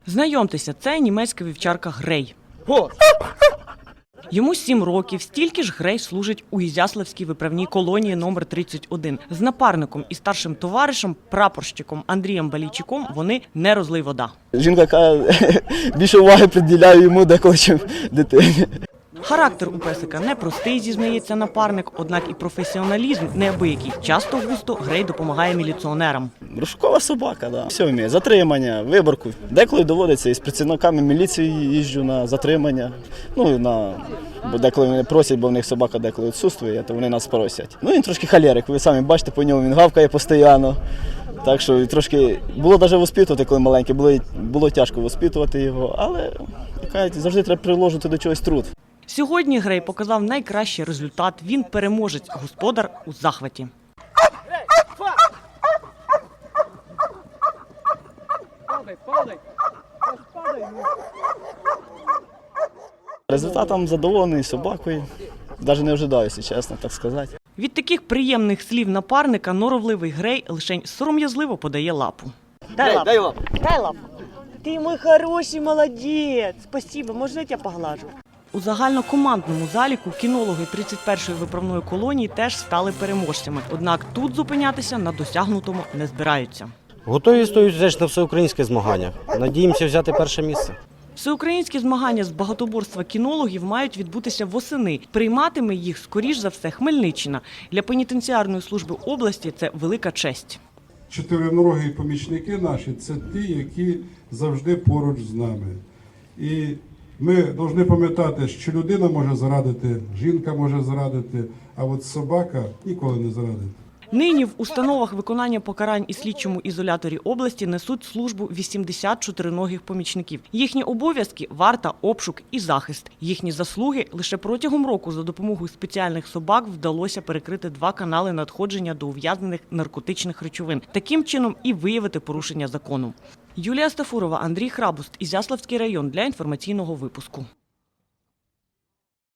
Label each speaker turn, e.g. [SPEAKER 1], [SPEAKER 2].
[SPEAKER 1] Знайомтеся, це німецька вівчарка Грей. Йому 7 років, стільки ж Грей служить у Ізяславській виправній колонії номер 31. З напарником і старшим товаришем, прапорщиком Андрієм Балійчуком вони не розлий вода.
[SPEAKER 2] Жінка каже, більше уваги приділяю йому деколи, чим дитині.
[SPEAKER 1] Характер у песика непростий, зізнається напарник, однак і професіоналізм неабиякий. Часто-густо Грей допомагає міліціонерам.
[SPEAKER 2] Розшукова собака, да. Все вміє. Затримання, виборку. Деколи доводиться із працівниками міліції їжджу на затримання. Бо деколи вони просять, бо в них собака деколи відсутствує, то вони нас просять. Він трошки холерик, ви самі бачите по ньому, він гавкає постійно. Так що трошки було навіть воспитувати, коли маленький, було тяжко воспитувати його, але завжди треба приложити до чогось труд.
[SPEAKER 1] Сьогодні Грей показав найкращий результат. Він переможець, господар у захваті.
[SPEAKER 2] Результатом задоволений собакою. Навіть не ожидаю, чесно так сказати.
[SPEAKER 1] Від таких приємних слів напарника норовливий Грей лишень сором'язливо подає лапу. Дай лапу. Дай лапу. Ти мій хороший молодець. Спасибо, можна я тебе поглажу? У загальнокомандному заліку кінологи 31-ї виправної колонії теж стали переможцями. Однак тут зупинятися на досягнутому не збираються.
[SPEAKER 3] Готові стоять теж на всеукраїнське змагання. Надіємося взяти перше місце.
[SPEAKER 1] Всеукраїнські змагання з багатоборства кінологів мають відбутися восени. Прийматиме їх, скоріш за все, Хмельниччина. Для пенітенціарної служби області це велика честь.
[SPEAKER 4] Чотириногі помічники наші – це ті, які завжди поруч з нами. І ми повинні пам'ятати, що людина може зрадити, жінка може зрадити, а от собака ніколи не зрадить.
[SPEAKER 1] Нині в установах виконання покарань і слідчому ізоляторі області несуть службу 80 чотириногих помічників. Їхні обов'язки – варта, обшук і захист. Їхні заслуги – лише протягом року за допомогою спеціальних собак вдалося перекрити 2 канали надходження до ув'язнених наркотичних речовин. Таким чином і виявити порушення закону. Юлія Стафурова, Андрій Храбуст, Ізяславський район для інформаційного випуску.